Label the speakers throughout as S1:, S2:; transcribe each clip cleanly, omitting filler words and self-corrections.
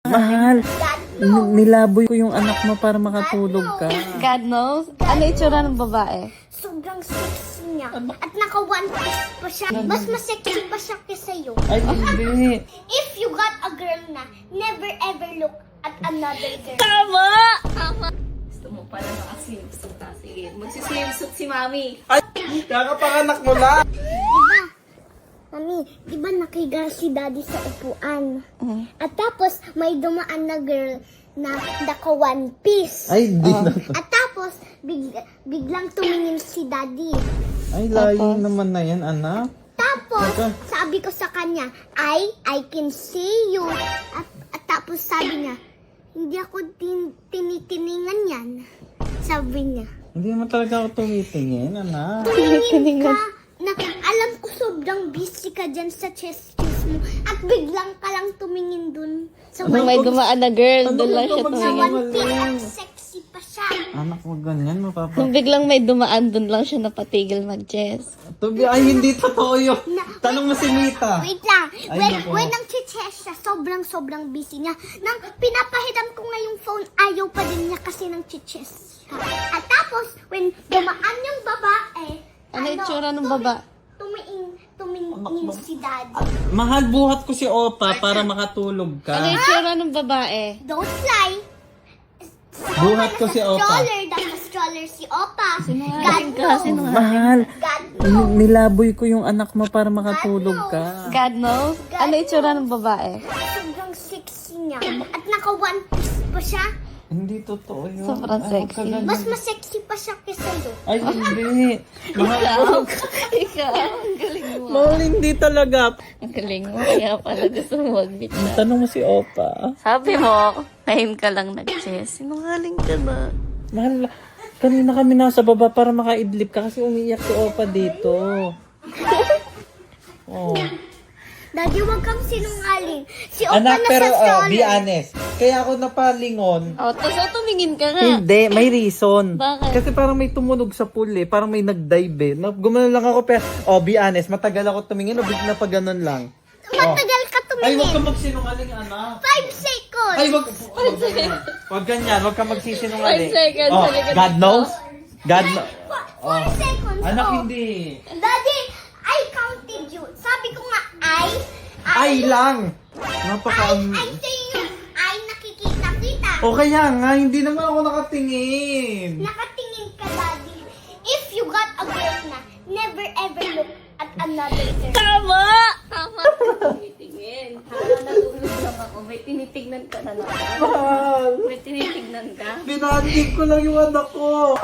S1: Mahal, nilaboy ko yung anak mo para makatulog ka.
S2: God knows. Ano itsura ng babae?
S3: Sobrang sexy niya. At naka one piece pa siya. Mas masexy pa siya kaysa iyo.
S1: Ay, hindi.
S3: If you got a girl na, never ever look at another girl.
S2: Tama! Tama! Gusto mo pala naka-swimsuit ha? Sige, magsiswimsuit si Mami.
S1: Ay, kakapanganak mo lang.
S3: Mami, di ba nakiga si daddy sa upuan? At tapos, may dumaan na girl na naka one piece.
S1: Ay, hindi na.
S3: At tapos, biglang tumingin si daddy.
S1: Ay, layo naman na yan, anak.
S3: Tapos,
S1: Teka.
S3: sabi ko sa kanya, I can see you. At tapos sabi niya, hindi ako tinitiningan yan. Sabi niya,
S1: Hindi naman talaga ako tumitingin, anak.
S3: tumingin ka. Na, alam ko sobrang busy ka dyan sa chest mo. At biglang ka lang tumingin dun. Sa
S2: Nung may dumaan na girl,
S1: Ano
S2: doon lang
S1: ba
S2: siya
S1: ito
S2: tumingin.
S3: one piece at sexy pa siya.
S1: Anak, wag ganyan, mapapa.
S2: Nung biglang may dumaan, doon lang siya napatigil mag-chess.
S1: Ay, hindi totoo yun. Tanong mo si Mita.
S3: Wait lang.
S1: Ay, nako.
S3: When ang chiches siya, sobrang busy niya. Nang pinapahiram ko nga yung phone, ayaw pa din niya kasi ng chiches siya. At tapos, when dumaan yung babae,
S2: Ano itsura ng baba?
S3: tumingin si daddy.
S1: Mahal, buhat ko si Opa para makatulog
S2: Ano
S1: ka.
S2: itsura ng babae?
S3: Don't lie.
S1: Buhat ko si Opa.
S3: Stroller si Opa.
S2: Sinungaling ka, sinungaling.
S1: Mahal,
S3: God knows.
S1: nilaboy ko yung anak mo para makatulog ka.
S2: God knows. Ano itsura ng babae?
S3: Sobrang sexy niya. At naka one piece pa siya.
S1: Hindi totoo yun.
S2: Sobrang
S1: Ay,
S2: sexy.
S1: huwag ka ganun.
S3: Mas masexy pa siya kaysa iyo.
S1: Ay, hindi. Mahal,
S2: Ikaw, ang galing mo.
S1: mahal, hindi talaga.
S2: Ang galing mo, kaya pala gusto mo mag-meet na.
S1: Tanong mo si Opa.
S2: Sabi mo, ngayon ka lang nag-chess. Sinungaling ka na.
S1: Mahal, kanina kami nasa baba para makaidlip ka kasi umiiyak si Opa dito. Oh.
S3: Daddy, wag kang sinungaling. Si Opa
S1: Anak,
S3: na
S1: pero
S3: sa stroller.
S1: be honest. Kaya ako napalingon.
S2: O, tapos tumingin ka nga.
S1: Hindi, may reason.
S2: Bakit?
S1: Kasi parang may tumunog sa pool eh. Parang may nag-dive eh. Gumano lang ako pero, be honest, matagal ako tumingin o bigla pa ganun lang.
S3: Matagal ka
S1: Ay, wag ka
S3: tumingin.
S1: magsinungaling, anak.
S3: 5 seconds.
S1: Ay, wag ganyan. Wag ganyan, wag ka magsisinungaling.
S2: 5 seconds,
S1: Oh,
S2: halika
S1: God
S2: dito.
S1: knows? God knows.
S3: 4 seconds.
S1: Anak,
S3: oh.
S1: hindi.
S3: Daddy, I counted you. Sabi ko nga,
S1: Ay lang. Napaka...
S3: I say you. I nakikita-kita.
S1: O kaya nga, hindi naman ako nakatingin.
S3: Nakatingin ka, Daddy. If you got a girl na, never ever look at another girl.
S2: Tama! Tama! Tinitingin. Hala, natulog lang ako. May tinitignan ka na naman.
S1: Mahal.
S2: May tinitignan ka.
S1: Binandig ko lang yung anak ko.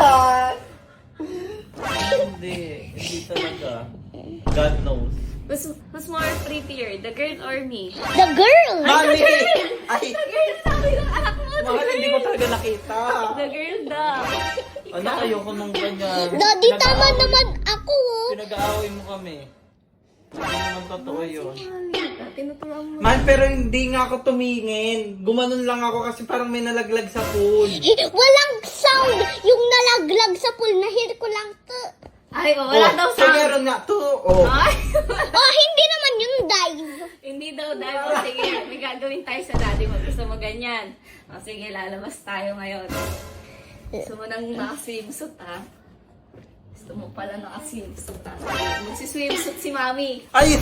S1: Hindi talaga. God knows.
S2: Who's more prettier, the girl or me?
S3: The girl!
S1: Mami! Ay,
S2: The girl, sabi ng anak mo.
S1: mahal, hindi ko talaga nakita.
S2: The girl daw.
S1: Anak, ayoko nung ganyan.
S3: Daddy, tama naman ako.
S1: Pinag-aaway mo kami. Hindi naman totoo yun.
S2: Tinuturuan mo.
S1: Man, pero hindi nga ako tumingin. Gumanon lang ako kasi parang may nalaglag sa pool.
S3: Walang sound. Yung nalaglag sa pool, nahir ko lang to.
S2: Ay, wala daw
S1: so
S2: sound.
S1: meron nga to. Oh.
S2: Ay,
S3: Oh, hindi naman yung dive.
S2: hindi daw dahil. O, sige, may gagawin tayo sa daddy mo. Gusto mo ganyan. O, sige, lalabas tayo ngayon. Gusto mo nang naka-swimsuit, ha? Gusto mo pala naka-swimsuit, ha? Sige, magsiswimsuit si Mami.
S1: Ay!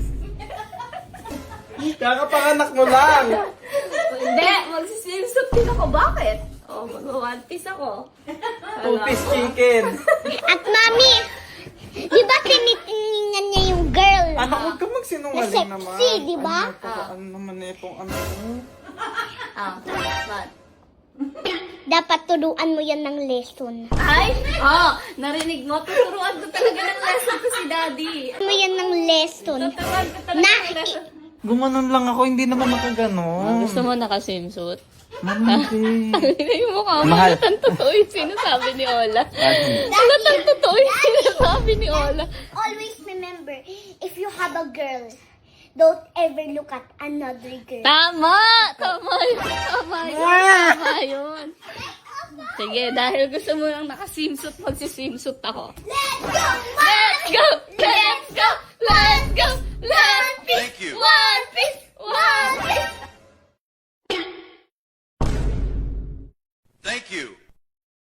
S1: Kakapanganak mo lang.
S2: Hindi, magsiswimsuit din ako. Bakit? O, mag-one piece ako.
S1: Two-piece chicken.
S3: At mami, di ba tinitingnan niya yung girl?
S1: Anak, huwag ka magsinungaling
S3: Na
S1: naman.
S3: sexy, di ba?
S1: Ano naman na itong ano?
S2: Ah, what?
S3: Dapat turuan mo yan ng lesson.
S2: Ay! Oh, narinig mo? Tuturuan ko talaga ng lesson ko si Daddy.
S3: Mo yan ng lesson.
S2: Tuturuan ko talaga
S3: Na-
S2: ng lesson.
S1: Gumanon lang ako, hindi naman nakaganon.
S2: Gusto mo naka-swimsuit?
S1: Mami,
S2: Hindi mo mukha mo.
S1: Mahal.
S2: Halatang totoo yung sinasabi ni Ola. Halatang totoo yung sinasabi ni Ola.
S3: Always remember, if you have a girl, don't ever look at another girl.
S2: Tama! Tama yun. Tama yun. Tama yun. Sige, dahil gusto mo lang naka-swimsuit, magsiswimsuit ako.
S3: Let's go!
S2: Let's go! Let's go! Let's go! Let's go!
S4: Thank you.
S2: One piece! One piece!
S4: Thank you.